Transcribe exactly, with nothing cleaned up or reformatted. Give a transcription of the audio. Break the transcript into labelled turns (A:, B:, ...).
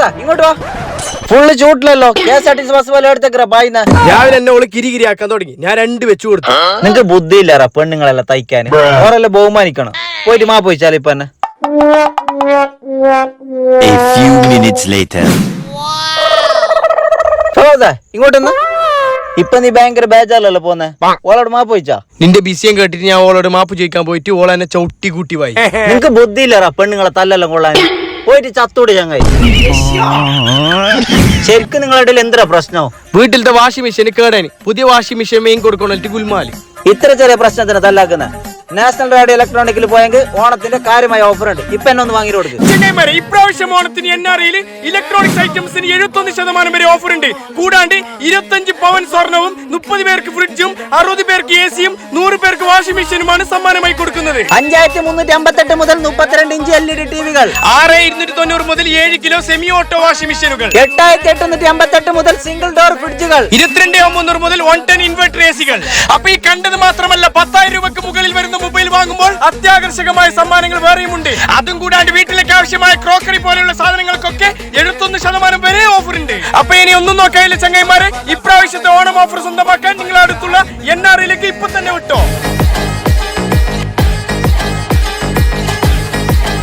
A: ഇങ്ങോട്ട് വാ. ഫുള്ള് ചൂട്ടിലല്ലോ. K S R T C bus പോലെ എടുത്തേക്കറ പായിന്ന.
B: രാവിലെ എന്നെ ഓള് കിരികിരി ആക്കാൻ തുടങ്ങി. ഞാൻ രണ്ട് വെച്ചു കൊടുത്തു.
A: നിങ്ങക്ക് ബുദ്ധി ഇല്ലാറ പെണ്ണുങ്ങളെല്ലാം തയ്ക്കാൻ. ഓരെല്ലാം ബഹുമാനിക്കണം. പോയിട്ട് മാ പോയിച്ചാൽ ഇപ്പൊ തന്നെ. ഇങ്ങോട്ടൊന്ന്. ഇപ്പൊ നീ ഭയങ്കര ബേജാറല്ലോ പോന്നെ. ഓളോട് മാപ്പ് ചോദിച്ചാ?
B: നിന്റെ ബിസിയം കേട്ടിട്ട് ഞാൻ ഓളോട് മാപ്പ് ചോദിക്കാൻ പോയിട്ട് ഓള എന്നെ ചവിട്ടി കൂട്ടി പോയി.
A: നിങ്ങക്ക് ബുദ്ധി ഇല്ലറാ പെണ്ണുങ്ങളെ തല്ലെല്ലാം കൊള്ളാൻ. പോയിട്ട് ചത്തോട് ചങ്ങായി. ശരിക്കും നിങ്ങളുടെ ഇടയിൽ എന്താ പ്രശ്നം?
B: വീട്ടിലത്തെ വാഷിംഗ് മെഷീൻ കേടാനി. പുതിയ വാഷിംഗ് മെഷീൻ മെയിൻ കൊടുക്കണം ഗുൽമാലി.
A: ഇത്ര ചെറിയ പ്രശ്നത്തിന് തല്ലാക്കുന്ന നാഷണൽ റേഡിയോ ഇലക്ട്രോണിക്കിൽ പോയെങ്കിൽ ഓണത്തിന്റെ കാര്യമായ ഓഫർ ഉണ്ട്. ഇപ്പൊ എന്നെ ഒന്ന് വാങ്ങി കൊടുക്കും.
B: ഇപ്രാവശ്യം ഓണത്തിന് എൻ ആർ ഐയിൽ ഇലക്ട്രോണിക്സ് ഐറ്റംസിന് എഴുപത്തൊന്ന് ശതമാനം വരെ ഓഫർ ഉണ്ട്. കൂടാണ്ട് ഇരുപത്തഞ്ച് പവൻ സ്വർണവും മുപ്പത് പേർക്ക് ഫ്രിഡ്ജും അറുപത് പേർക്ക് എ സിയും നൂറ് പേർക്ക് വാഷിംഗ് മെഷീനുമാണ് സമ്മാനമായി കൊടുക്കുന്നത്.
A: അഞ്ചായിരത്തി മുന്നൂറ്റി അമ്പത്തെട്ട് മുതൽ മുപ്പത്തിരണ്ട് ഇഞ്ച് എൽ ഇ ഡി ടിവികൾ,
B: ആറ് ഇരുന്നൂറ്റി തൊണ്ണൂറ് മുതൽ ഏഴ് കിലോ സെമി ഓട്ടോ വാഷിംഗ് മെഷീനുകൾ,
A: എട്ടായിരത്തി എട്ടുന്നൂറ്റി അമ്പത്തെട്ട് മുതൽ സിംഗിൾ ഡോർ ഫ്രിഡ്ജുകൾ,
B: ഇരുപത്തിരണ്ട് മുന്നൂറ് മുതൽ വൺ ടെൻ ഇൻവെർട്ടർ എ സികൾ. അപ്പൊ ഈ കണ്ടത് മാത്രമല്ല, പത്തായിരം രൂപക്ക് മുകളിൽ വരുന്ന മൊബൈൽ വാങ്ങുമ്പോൾ അത്യാകർഷകമായ സമ്മാനങ്ങൾ വേറെയുമുണ്ട്. അതും കൂടാണ്ട് വീട്ടിലേക്ക് ആവശ്യമായ ക്രോക്കറി പോലെയുള്ള സാധനങ്ങൾക്കൊക്കെ എഴുപത്തൊന്ന് ശതമാനം വരെ ഓഫർ ഉണ്ട്. അപ്പൊ ഇനി ഒന്നും നോക്കാനില്ല ചങ്ങായിമാരെ, ഇപ്രാവശ്യത്തെ ഓണം ഓഫർ സ്വന്തമാക്കാൻ നിങ്ങൾ അടുത്തുള്ള എൻ ആർ ഐയിലേക്ക് ഇപ്പൊ തന്നെ വിട്ടോ.